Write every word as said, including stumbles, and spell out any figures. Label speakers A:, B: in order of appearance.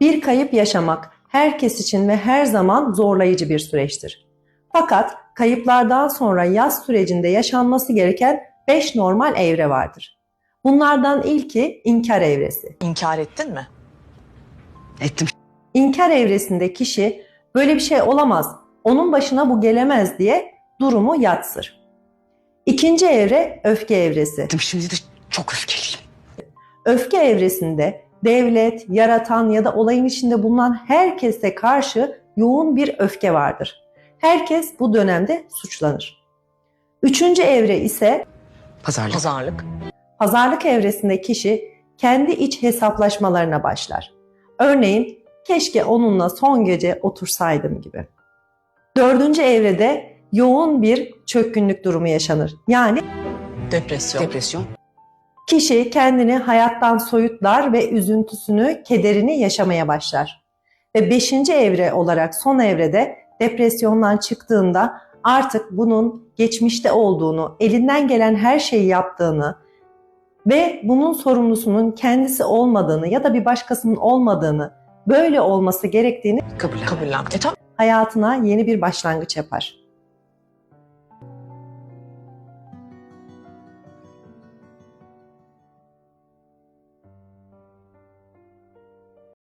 A: Bir kayıp yaşamak herkes için ve her zaman zorlayıcı bir süreçtir. Fakat kayıplardan sonra yas sürecinde yaşanması gereken beş normal evre vardır. Bunlardan ilki inkar evresi.
B: İnkar ettin mi?
C: Ettim.
A: İnkar evresinde kişi böyle bir şey olamaz, onun başına bu gelemez diye durumu yatsır. İkinci evre öfke evresi.
C: Ettim. Şimdi de çok öfkeliyim.
A: Öfke evresinde devlet, yaratan ya da olayın içinde bulunan herkese karşı yoğun bir öfke vardır. Herkes bu dönemde suçlanır. Üçüncü evre ise
C: Pazarlık.
B: Pazarlık.
A: pazarlık evresinde kişi kendi iç hesaplaşmalarına başlar. Örneğin keşke onunla son gece otursaydım gibi. Dördüncü evrede yoğun bir çökkünlük durumu yaşanır. Yani
B: Depresyon.
C: Depresyon.
A: kişi kendini hayattan soyutlar ve üzüntüsünü, kederini yaşamaya başlar. Ve beşinci evre olarak son evrede depresyondan çıktığında artık bunun geçmişte olduğunu, elinden gelen her şeyi yaptığını ve bunun sorumlusunun kendisi olmadığını ya da bir başkasının olmadığını, böyle olması gerektiğini
C: Kabul.
B: Kabullen. E tamam.
A: hayatına yeni bir başlangıç yapar.